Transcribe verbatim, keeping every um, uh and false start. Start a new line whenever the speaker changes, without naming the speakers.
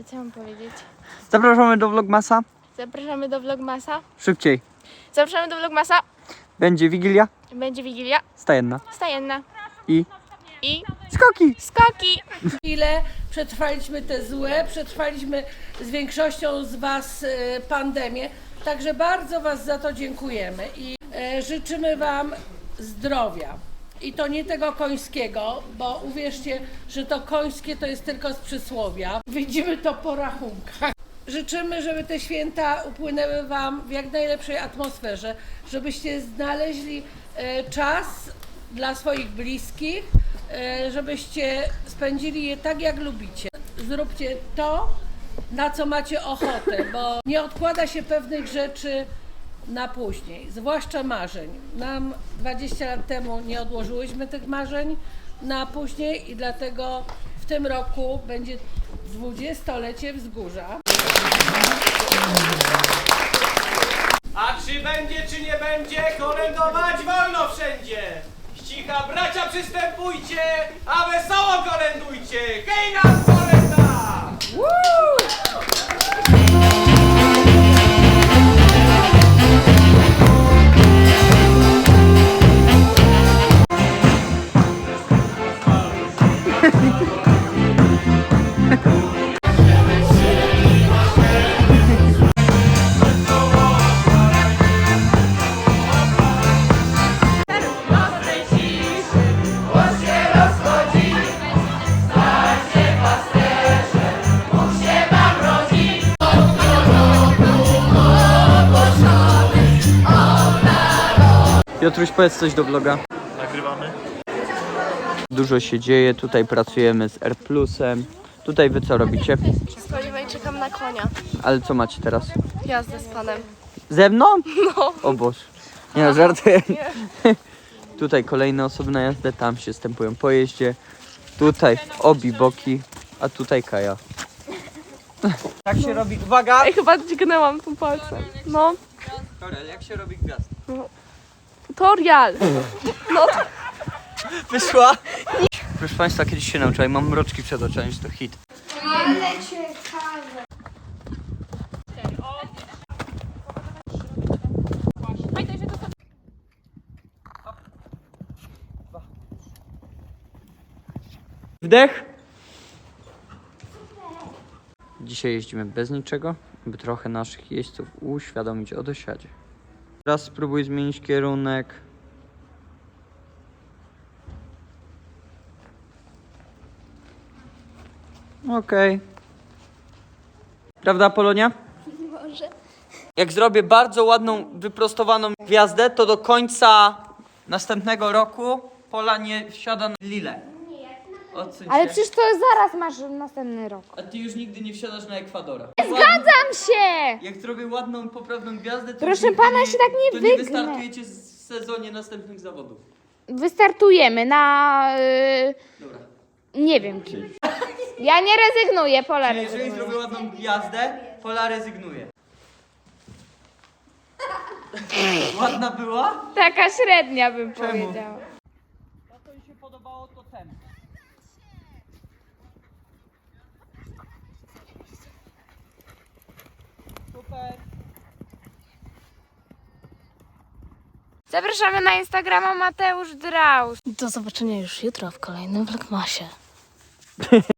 E, co mam powiedzieć?
Zapraszamy do Vlogmasa.
Zapraszamy do Vlogmasa.
Szybciej.
Zapraszamy do Vlogmasa.
Będzie Wigilia.
Będzie Wigilia.
Stajenna.
Stajenna.
I
I
skoki.
skoki.
Ile przetrwaliśmy te złe, przetrwaliśmy z większością z Was e, pandemię, także bardzo Was za to dziękujemy i e, życzymy Wam zdrowia. I to nie tego końskiego, bo uwierzcie, że to końskie to jest tylko z przysłowia. Widzimy to po rachunkach. Życzymy, żeby te święta upłynęły Wam w jak najlepszej atmosferze, żebyście znaleźli e, czas dla swoich bliskich, e, żebyście spędzili je tak, jak lubicie. Zróbcie to, na co macie ochotę, bo nie odkłada się pewnych rzeczy na później, zwłaszcza marzeń. Nam dwadzieścia lat temu nie odłożyłyśmy tych marzeń na później i dlatego w tym roku będzie dwudziestolecie Wzgórza.
A czy będzie, czy nie będzie, kolędować wolno wszędzie! Ścicha bracia przystępujcie, a wesoło kolędujcie! Hej nam kolęda!
Piotruś, powiedz coś do vloga.
Nagrywamy.
Dużo się dzieje, tutaj pracujemy z R plusem. Tutaj wy co robicie?
Spodziewaj, czekam na konia.
Ale co macie teraz?
Jazdę z panem.
Ze mną?
No.
O Boże. Nie no, żartuję. Tutaj kolejne osoby na jazdę, tam się stępują po jeździe. Tutaj obi boki, a tutaj Kaja. Tak się robi, uwaga!
Ej, chyba dźgnęłam tu palcem. No.
Korel, jak się robi gwiazd?
Tutorial. No.
Wyszła? Proszę Państwa, kiedyś się nauczyłem, mam mroczki przed oczami, że to hit.
Ale ciekawe.
Wdech! Dzisiaj jeździmy bez niczego, by trochę naszych jeźdźców uświadomić o dosiadzie. Teraz spróbuj zmienić kierunek. Okej. Okay. Prawda, Polonia?
Może.
Jak zrobię bardzo ładną, wyprostowaną gwiazdę, to do końca następnego roku Pola nie wsiada na lilę. Odsuń
Ale
się.
przecież to zaraz masz następny rok.
A ty już nigdy nie wsiadasz na Ekwadora.
Zgadzam się!
Jak zrobię ładną, poprawną gwiazdę, to
Proszę
już nigdy
pana, się tak nie
to nie
wygnę.
wystartujecie w sezonie następnych zawodów.
Wystartujemy na... Yy,
Dobra.
nie wiem czy. Ja nie rezygnuję, Pola
Czyli jeżeli
rezygnuje.
zrobię ładną gwiazdę, Pola rezygnuje. Ładna była?
Taka średnia bym
Czemu?
powiedziała.
To co mi się podobało, to ten. Super.
Zapraszamy na Instagrama Mateusz Draus.
Do zobaczenia już jutro w kolejnym Vlogmasie.